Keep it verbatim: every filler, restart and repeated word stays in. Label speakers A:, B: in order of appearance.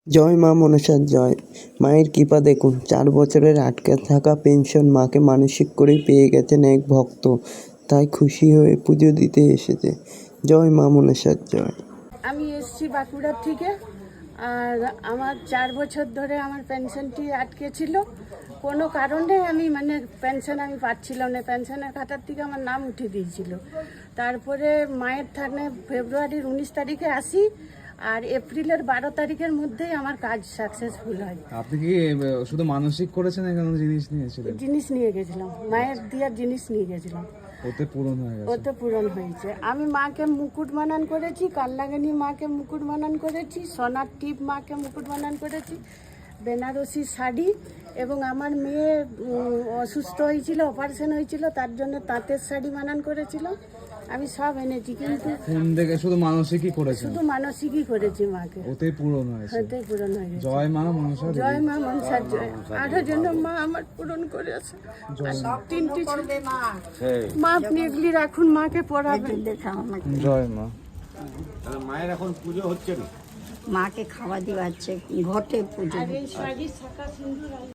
A: জয় মা মনসার জয়। মায়ের কৃপা দেখুন, চার বছরের আটকে থাকা পেনশন মাকে মানসিক করেই পেয়ে গেছেন এক ভক্ত, তাই খুশি হয়ে পুজো দিতে এসেছে। জয় মা মনসার জয়।
B: আমি এসছি বাঁকুড়ার থেকে। আর আমার চার বছর ধরে আমার পেনশনটি আটকে ছিল। কোনো কারণে আমি মানে পেনশন আমি পাচ্ছিলাম না, পেনশনের খাতার থেকে আমার নাম উঠে দিয়েছিল। তারপরে মায়ের থানে ফেব্রুয়ারির উনিশ তারিখে আসি, আর এপ্রিলের বারো তারিখের মধ্যেই আমার কাজ সাকসেসফুল হয়।
C: আপনি কি শুধু মানসিক করেছেন, এখানে জিনিস নিয়েছিলেন?
B: জিনিস নিয়ে গেছিলাম, মায়ের দেওয়ার জিনিস নিয়ে গেছিলাম,
C: ওতে পূরণ হয়ে গেছে।
B: ওতে পূরণ হয়েছে। আমি মাকে মুকুট বানান করেছি, কাল্লাগানি মাকে মুকুট বানান করেছি, সোনার টিপ মাকে মুকুট বানান করেছি, বেনারসি শাড়ি, এবং আমার মেয়ে অসুস্থ হয়েছিল, অপারেশন হয়েছিল, তার জন্য তাঁতের শাড়ি বানান করেছিল। আমি সব এনেছি, কিন্তু
C: ফোন দেখে শুধু মানসিকই করেছেন?
B: শুধু মানসিকই করেছি মাকে,
C: ওতেই পূরণ হয়েছে।
B: ওতেই পূরণ হয়ে গেছে।
C: জয় মা মনসা।
B: জয় মা মনসার জয়। আরো জন্য মা আমার পূরণ করেছে। তিনটি ছেলে। মা আপনি এগুলি রাখুন, মাকে পড়াবেন।
C: জয় মা।
D: মায়ের এখন পুজো হচ্ছে না,
E: মাকে খাওয়া দিওয়াচ্ছে, ঘটে পুজো।
B: আর এই শাড়ি শাখা সিঁদুর